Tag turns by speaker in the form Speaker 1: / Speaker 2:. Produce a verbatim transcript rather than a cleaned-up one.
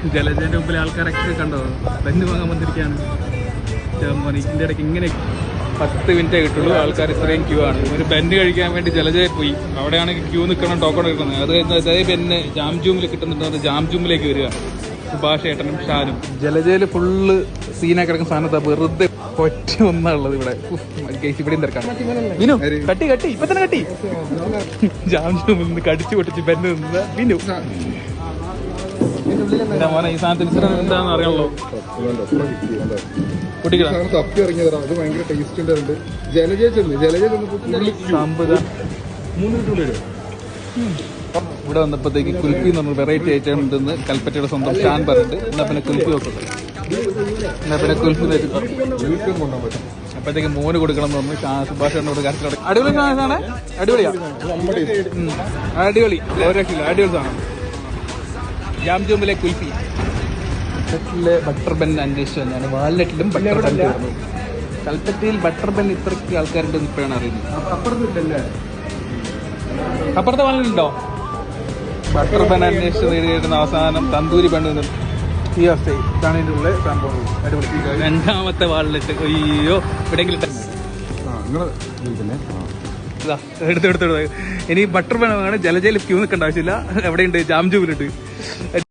Speaker 1: ജലജന്റെ മുമ്പിൽ ആൾക്കാരൊക്കെ കണ്ടോ ബെന്ന് വാങ്ങാൻ വന്നിരിക്കുകയാണ്. ഇതിന്റെ ഇടയ്ക്ക് ഇങ്ങനെ പത്ത് മിനിറ്റേ കിട്ടുള്ളൂ. ആൾക്കാർ ഇത്രയും ക്യൂ ആണ്. ഒരു ബെന്ന് കഴിക്കാൻ വേണ്ടി ജലജയിൽ പോയി. അവിടെയാണെങ്കിൽ ക്യൂ നിൽക്കണം, ടോക്കൺ എടുക്കുന്നത്. അത് കഴിഞ്ഞാൽ അതേ ബെന്ന് ജാം ജൂമിൽ കിട്ടുന്നുണ്ട്. ജാം ജൂമിലേക്ക് വരിക സുഭാഷ് ഏട്ടനും ഷാനും. ജലജയിൽ ഫുള്ള് സീനാക്കി കിടക്കുന്ന സാധനത്താ വെറുതെ ഒറ്റ ഒന്നാണുള്ളത് ഇവിടെ. ഇവിടെയും തിരക്കാണ്. വിനു കട്ടി കട്ടി ഇപ്പൊ തന്നെ കട്ടി. ജാം ജൂമിൽ നിന്ന് കടിച്ചു പൊട്ടിച്ച് ബെന്ന് നിന്ന് വിനു മോനെ ഈ സാധനത്തിന് ഇത്ര എന്താണെന്ന് അറിയാമല്ലോ.
Speaker 2: തപ്പി ഇറങ്ങിയതാണ്. അത് ഭയങ്കര ടേസ്റ്റ് ഉണ്ടായിരുന്നു. ജലജ ചെന്ന് ജലജ
Speaker 1: ഇവിടെ വന്നപ്പോഴത്തേക്ക് കുൽഫി എന്ന് പറഞ്ഞ വെറൈറ്റി ഐറ്റം ഉണ്ടെന്ന് കൽപ്പറ്റയുടെ സ്വന്തം ഷാൻ പറഞ്ഞിട്ട് എന്നാ പിന്നെ കുൽഫി നോക്കുന്നത്. എന്നാ പിന്നെ കുൽഫി അപ്പോഴത്തേക്ക് മോന് കൊടുക്കണം എന്ന് പറഞ്ഞു. സുഭാഷോട് കാര്യത്തിലോട് അടിപൊളി സാധനമാണ്. അടിപൊളിയാ, അടിപൊളി, ഒരു രക്ഷയില്ല, അടിപൊളി സാധനം. ജാം ജൂമിലെ കുൽഫി. കൽപ്പറ്റയിലെ ബട്ടർ ബെൻ അന്വേഷിച്ചു തന്നെയാണ്. വാൽനട്ടിലും ബട്ടർ ബെൻ തീർന്നു. കൽപ്പറ്റയിൽ ബട്ടർ ബെൻ ഇത്രയ്ക്ക് ആൾക്കാരുണ്ടെന്ന് ഇപ്പോഴാണ് അറിയുന്നത്. അപ്പുറത്തെ വാൽനട്ടുണ്ടോ? ബട്ടർ ബെൻ അന്വേഷിച്ച് നേടിയിരുന്ന അവസാനം തന്തൂരി ബെൻ ഈ അവസ്ഥ. ഇതാണ് ഇതിൻ്റെ ഉള്ള സംഭവം. അടിപൊളി. രണ്ടാമത്തെ വാൽനട്ട്. അയ്യോ എവിടെയെങ്കിലും എടുത്തെടുത്തെടുത്ത് ഇനി ബട്ടർ ബെൻ ആണ്. ജലജയിൽ ക്യൂ നിൽക്കേണ്ട ആവശ്യമില്ല. എവിടെയുണ്ട്? ജാം ജൂമിലുണ്ട്.